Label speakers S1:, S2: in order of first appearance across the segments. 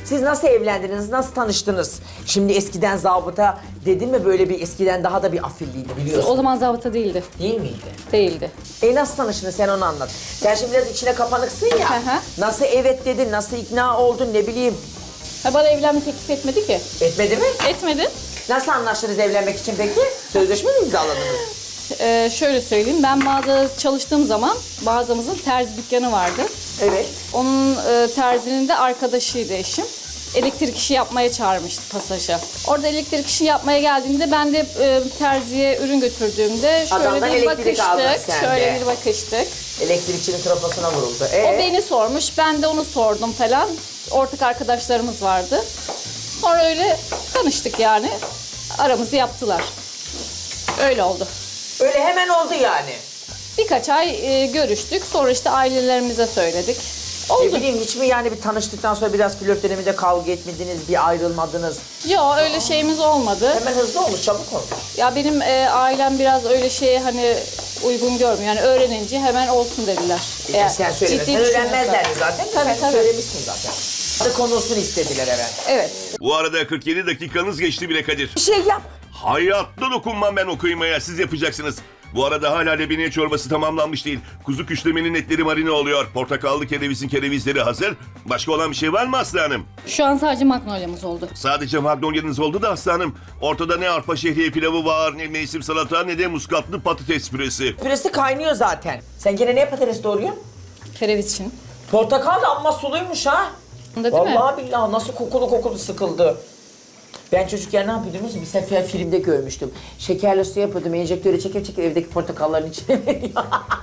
S1: Siz nasıl evlendiniz, nasıl tanıştınız? Şimdi eskiden zabıta dedin mi böyle bir eskiden daha da bir afilliydi biliyorsun.
S2: O zaman zabıta değildi.
S1: Değil miydi?
S2: Değildi.
S1: Nasıl tanıştınız sen onu anlat. Sen şimdi biraz içine kapanıksın ya.
S2: Hı hı.
S1: Nasıl evet dedin, nasıl ikna oldun ne bileyim.
S2: Ha, bana evlenme teklif etmedi ki.
S1: Etmedi mi?
S2: Etmedi.
S1: Nasıl anlaştınız evlenmek için peki? Sözleşme mi imzaladınız?
S2: Şöyle söyleyeyim, ben mağazada çalıştığım zaman mağazamızın terzi dükkanı vardı.
S1: Evet.
S2: Onun terzinin de arkadaşıydı eşim. Elektrik işi yapmaya çağırmıştı pasaja. Orada elektrik işi yapmaya geldiğinde ben de terziye ürün götürdüğümde şöyle
S1: Adamdan
S2: bir
S1: elektrik aldın
S2: bakıştık.
S1: sen
S2: Şöyle
S1: de.
S2: bir bakıştık.
S1: Elektrikçinin trafosuna vuruldu.
S2: O beni sormuş, ben de onu sordum falan. Ortak arkadaşlarımız vardı. Sonra öyle tanıştık yani. Aramızı yaptılar. Öyle oldu.
S1: Öyle hemen oldu yani.
S2: Birkaç ay görüştük. Sonra işte ailelerimize söyledik.
S1: Ne
S2: Oldu.
S1: bileyim hiç mi yani bir tanıştıktan sonra biraz flört döneminde kavga etmediniz, bir ayrılmadınız?
S2: Yok öyle şeyimiz olmadı.
S1: Hemen hızlı olmuş, çabuk olmuş.
S2: Ya benim ailem biraz öyle şeye hani uygun görmüyor. Yani öğrenince hemen olsun dediler.
S1: Sen söylemesen
S2: ciddi
S1: öğrenmezlerdi
S2: düşünüyorsan.
S1: zaten.
S2: Tabii,
S1: Sen
S2: tabii.
S1: söylemişsin zaten. Adı konulsun istediler hemen.
S2: Evet.
S3: Bu arada 47 dakikanız geçti bile Kadir.
S1: Bir şey yap.
S3: Hayatta dokunmam ben o kıymaya, siz yapacaksınız. Bu arada hala lebeniye çorbası tamamlanmış değil. Kuzu küşlemenin etleri marine oluyor. Portakallı kerevizin kerevizleri hazır. Başka olan bir şey var mı Aslı Hanım?
S2: Şu an sadece magnolia'mız oldu.
S3: Sadece magnolyanız oldu da Aslı Hanım. Ortada ne arpa şehriye pilavı var, ne mevsim salata, ne de muskatlı patates püresi.
S1: Püresi kaynıyor zaten. Sen gene ne patates doğruyorsun?
S2: Kereviz için.
S1: Portakal da amma suluymuş ha.
S2: Bunda değil mi?
S1: Vallahi billahi nasıl kokulu sıkıldı. Ben çocukken ne yapıyordum? Bir sefer filmde görmüştüm. Şekerli su yapıyordum, enjektörü çekip evdeki portakalların içine veriyor.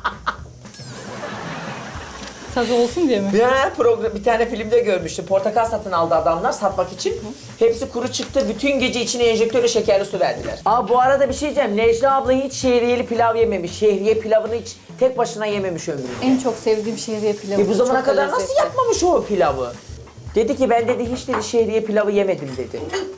S2: Tadı olsun diye mi?
S1: Bir tane filmde görmüştüm. Portakal satın aldı adamlar satmak için. Hepsi kuru çıktı. Bütün gece içine enjektörle şekerli su verdiler. Bu arada bir şey diyeceğim. Necla abla hiç şehriyeli pilav yememiş. Şehriye pilavını hiç tek başına yememiş ömründe.
S2: En çok sevdiğim şehriye pilavı.
S1: Bu zamana
S2: Çok da
S1: kadar nasıl
S2: lezzetli.
S1: yapmamış o pilavı? Dedi ki ben dedi hiç dedi şehriye pilavı yemedim dedi.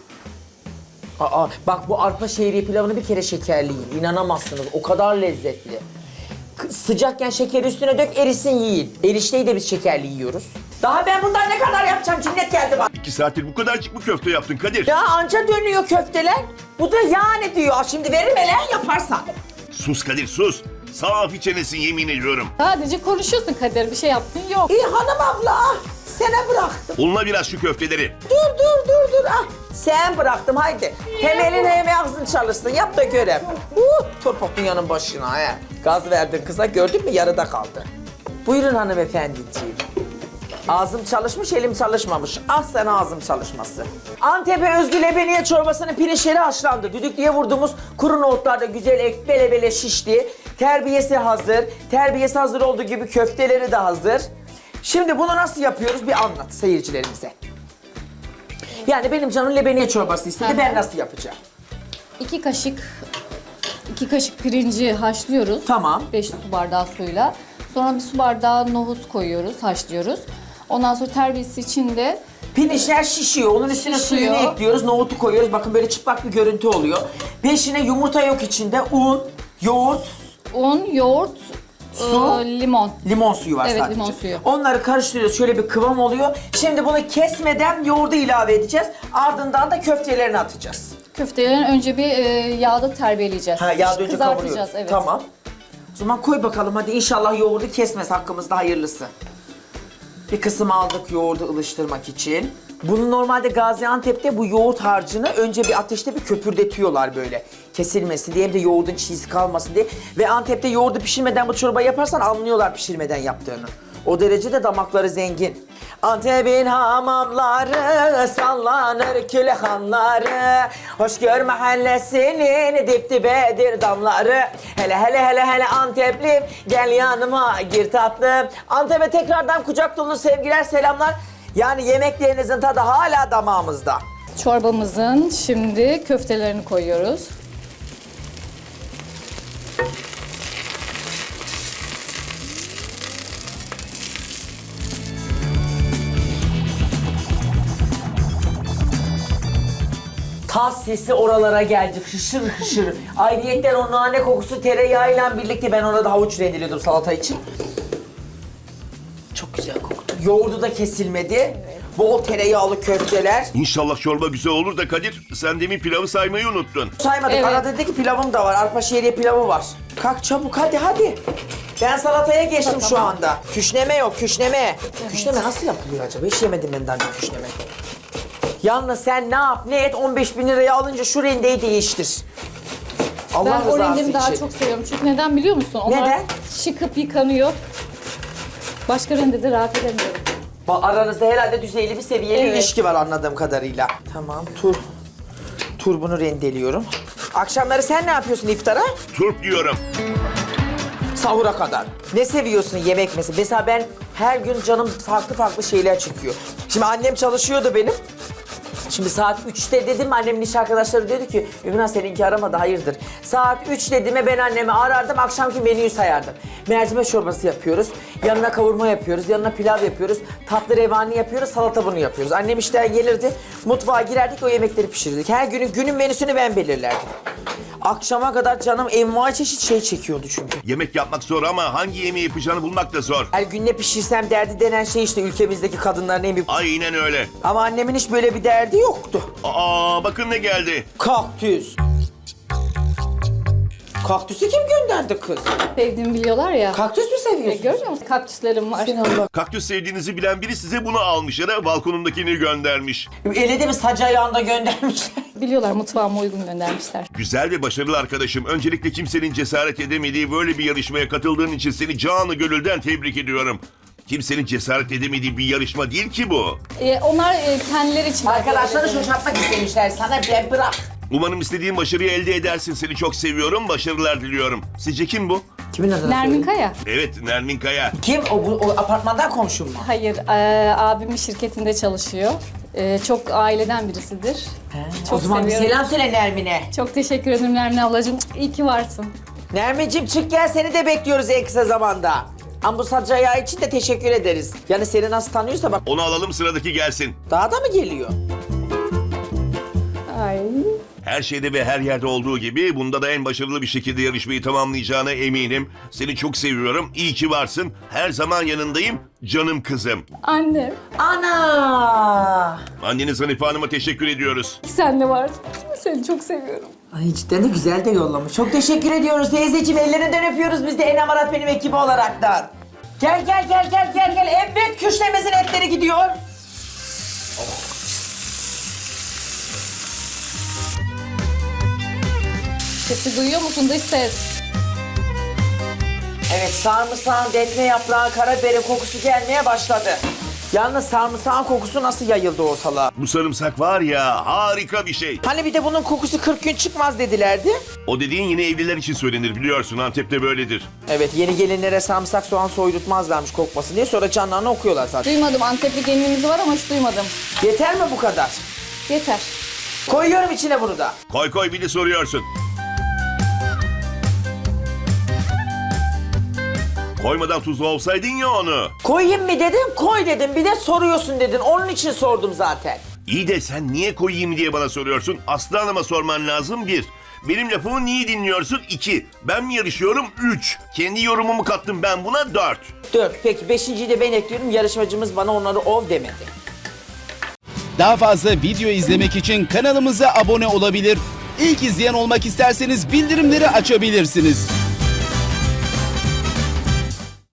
S1: Bak bu arpa şehriye pilavını bir kere şekerli yiyin. İnanamazsınız. O kadar lezzetli. Sıcakken şekeri üstüne dök erisin yiyin. Erişteyi de biz şekerli yiyoruz. Daha ben bundan ne kadar yapacağım? Cinnet geldi bak.
S3: 2 saattir bu kadarcık mı köfte yaptın Kadir?
S1: Ya anca dönüyor köfteler. Bu da yani diyor. Şimdi veririm hele yaparsan.
S3: Sus Kadir sus. Safi çenesin yemin ediyorum.
S2: Sadece konuşuyorsun Kadir, bir şey yaptın yok.
S1: İyi hanım abla. Sana bıraktım.
S3: Unla biraz şu köfteleri.
S1: Dur. Sen bıraktım haydi. Hem elin hem ağzın çalışsın. Yap da görem. Torpak dünyanın başına he. Gaz verdin kıza gördün mü yarıda kaldı. Buyurun hanımefendiciğim. Ağzım çalışmış, elim çalışmamış. Ah sen ağzım çalışması. Antep'e özgü lebeniye çorbasının pirinçleri haşlandı. Düdüklüye vurduğumuz kuru nohutlar da güzel bele bele şişti. Terbiyesi hazır. Terbiyesi hazır olduğu gibi köfteleri de hazır. Şimdi bunu nasıl yapıyoruz bir anlat seyircilerimize. Yani benim canım lebeniye çorbası istedi.
S2: Hı.
S1: Ben nasıl yapacağım?
S2: 2 kaşık pirinci haşlıyoruz.
S1: Tamam.
S2: 5 su bardağı suyla. Sonra bir su bardağı nohut koyuyoruz, haşlıyoruz. Ondan sonra terbiyesi için de
S1: Pirinçler şişiyor. Onun üstüne
S2: Şişiyor.
S1: suyunu ekliyoruz. Nohutu koyuyoruz. Bakın böyle çıplak bir görüntü oluyor. Beşine yumurta yok içinde. Un, yoğurt,
S2: un, yoğurt,
S1: Su.
S2: limon.
S1: limon suyu var
S2: Evet,
S1: sadece.
S2: limon suyu.
S1: Onları karıştırıyoruz. Şöyle bir kıvam oluyor. Şimdi bunu kesmeden yoğurdu ilave edeceğiz. Ardından da köftelerini atacağız.
S2: Köftelerini önce bir yağda terbiyeleyeceğiz.
S1: Yağda önce
S2: Kızartacağız,
S1: kavuruyoruz.
S2: evet.
S1: Tamam. O zaman koy bakalım hadi inşallah yoğurdu kesmez hakkımızda hayırlısı. Bir kısım aldık yoğurdu ılıştırmak için. Bunu normalde Gaziantep'te bu yoğurt harcını önce bir ateşte bir köpürdetiyorlar böyle. Kesilmesin diye hem de yoğurdun çiğsi kalmasın diye. Ve Antep'te yoğurdu pişirmeden bu çorbayı yaparsan anlıyorlar pişirmeden yaptığını. O derecede damakları zengin. Antep'in hamamları sallanır külhanları. Hoşgör mahallesinin dip dibedir damları. Hele Anteplim gel yanıma gir tatlım. Antep'e tekrardan kucak dolu sevgiler selamlar. Yani yemeklerinizin tadı hala damağımızda.
S2: Çorbamızın şimdi köftelerini koyuyoruz.
S1: Tas sesi oralara geldi hışır hışır. Ayrıyetten o nane kokusu tereyağıyla birlikte ben orada havuç rendeliyordum salata için. Çok güzel koktu. Yoğurdu da kesilmedi. Bol tereyağlı köfteler.
S3: İnşallah çorba güzel olur da Kadir, sen demin pilavı saymayı unuttun.
S1: Saymadık.
S2: Evet.
S1: Arada dedi ki pilavım da var. Arpa şehriye pilavı var. Kalk çabuk hadi. Ben salataya geçtim şu anda. Küşleme yok, küşleme. Küşleme nasıl yapılıyor acaba? Hiç yemedim ben daha önce küşleme. Yalnız sen ne yap ne et 15.000 liraya alınca şu rendeyi değiştir. Allah
S2: Ben o
S1: rızası
S2: rengimi daha
S1: için.
S2: çok seviyorum. Çünkü neden biliyor musun? Onlar
S1: Neden?
S2: şıkıp yıkanıyor. Başka rendede rahat edemiyorum.
S1: Aranızda herhalde düzeyli bir seviyeli
S2: Evet.
S1: ilişki var anladığım kadarıyla. Tamam, turbunu rendeliyorum. Akşamları sen ne yapıyorsun iftara?
S3: Turp yiyorum.
S1: Sahura kadar. Ne seviyorsun yemek mesela? Mesela ben her gün canım farklı şeyler çıkıyor. Şimdi annem çalışıyordu benim. Şimdi saat 3'te dedim annemin iş arkadaşları dedi ki Ümran seninki aramadı hayırdır. Saat 3 dediğime ben annemi arardım akşamki menüyü sayardım. Mercimek çorbası yapıyoruz. Yanına kavurma yapıyoruz. Yanına pilav yapıyoruz. Tatlı revani yapıyoruz. Salata bunu yapıyoruz. Annem işten gelirdi. Mutfağa girerdik o yemekleri pişirirdik. Her günün menüsünü ben belirlerdim. Akşama kadar canım envai çeşit şey çekiyordu çünkü.
S3: Yemek yapmak zor ama hangi yemeği yapacağını bulmak da zor.
S1: Her gün ne pişirsem derdi denen şey işte ülkemizdeki kadınların en büyük...
S3: Aynen öyle.
S1: Ama annemin hiç böyle bir derdi yoktu.
S3: Aa bakın ne geldi.
S1: Kaktüs. Kaktüsü kim gönderdi kız?
S2: Sevdiğimi biliyorlar ya.
S1: Kaktüs mü seviyorsun?
S2: Görmüyor musun? Kaktüslerim var.
S1: Sen Allah.
S3: Kaktüs sevdiğinizi bilen biri size bunu almış ya da balkonundakini göndermiş.
S1: Ele de mi sac ayağında göndermişler?
S2: Biliyorlar, mutfağıma uygun göndermişler.
S3: Güzel ve başarılı arkadaşım. Öncelikle kimsenin cesaret edemediği böyle bir yarışmaya katıldığın için seni canı gönülden tebrik ediyorum. Kimsenin cesaret edemediği bir yarışma değil ki bu.
S2: Onlar kendileri için...
S1: Arkadaşları şaşırtmak istemişler. Sana ben bırak.
S3: Umarım istediğin başarıyı elde edersin. Seni çok seviyorum. Başarılar diliyorum. Sizce kim bu?
S1: Kimin adını
S2: Nermin
S1: söyle?
S2: Kaya.
S3: Evet, Nermin Kaya.
S1: Kim? O apartmandan komşum mu?
S2: Hayır, abimin şirketinde çalışıyor. Çok aileden birisidir.
S1: O
S2: Çok
S1: zaman bir
S2: seviyorum.
S1: selam söyle Nermin'e.
S2: Çok teşekkür ederim Nermin ablacığım. İyi ki varsın.
S1: Nermin'cim çık gel seni de bekliyoruz en kısa zamanda. Ama bu sac ayağı için de teşekkür ederiz. Yani seni nasıl tanıyorsa bak
S3: Onu alalım, sıradaki gelsin.
S1: daha da mı geliyor?
S2: Ay.
S3: Her şeyde ve her yerde olduğu gibi bunda da en başarılı bir şekilde yarışmayı tamamlayacağına eminim. Seni çok seviyorum. İyi ki varsın. Her zaman yanındayım. Canım kızım.
S2: Anne,
S1: Ana!
S3: Anneniz Hanife Hanım'a teşekkür ediyoruz.
S2: sen de varsın. Seni çok seviyorum.
S1: Ay cidden de güzel de yollamış. Çok teşekkür ediyoruz teyzeciğim. Ellerinden öpüyoruz biz de En Amarat benim ekibi olaraktan. Gel. Evet küşlemezin etleri gidiyor.
S2: Sesi duyuyor musun dış ses?
S1: Evet sarımsağın, defne yaprağı, karabiberin kokusu gelmeye başladı. Yalnız sarımsağın kokusu nasıl yayıldı ortalığa?
S3: Bu sarımsak var ya, harika bir şey.
S1: Hani bir de bunun kokusu 40 gün çıkmaz dedilerdi.
S3: O dediğin yine evliler için söylenir, biliyorsun. Antep'te böyledir.
S1: Evet yeni gelinlere sarımsak soğan soydurtmazlarmış kokmasın diye sonra canlarını okuyorlar zaten.
S2: Duymadım. Antepli gelinimiz var ama hiç duymadım.
S1: Yeter mi bu kadar?
S2: Yeter.
S1: Koyuyorum içine bunu da.
S3: Koy bir de soruyorsun. Koymadan tuzlu olsaydın ya onu.
S1: Koyayım mı dedim, koy dedim. Bir de soruyorsun dedin. Onun için sordum zaten.
S3: İyi de sen niye koyayım diye bana soruyorsun. Aslı Hanım'a sorman lazım 1. Benim lafımı niye dinliyorsun 2. Ben mi yarışıyorum 3. Kendi yorumumu kattım ben buna 4.
S1: 4. Peki 5.'yi de ben ekliyorum. Yarışmacımız bana onları ov demedi.
S4: Daha fazla video izlemek için kanalımıza abone olabilir. İlk izleyen olmak isterseniz bildirimleri açabilirsiniz.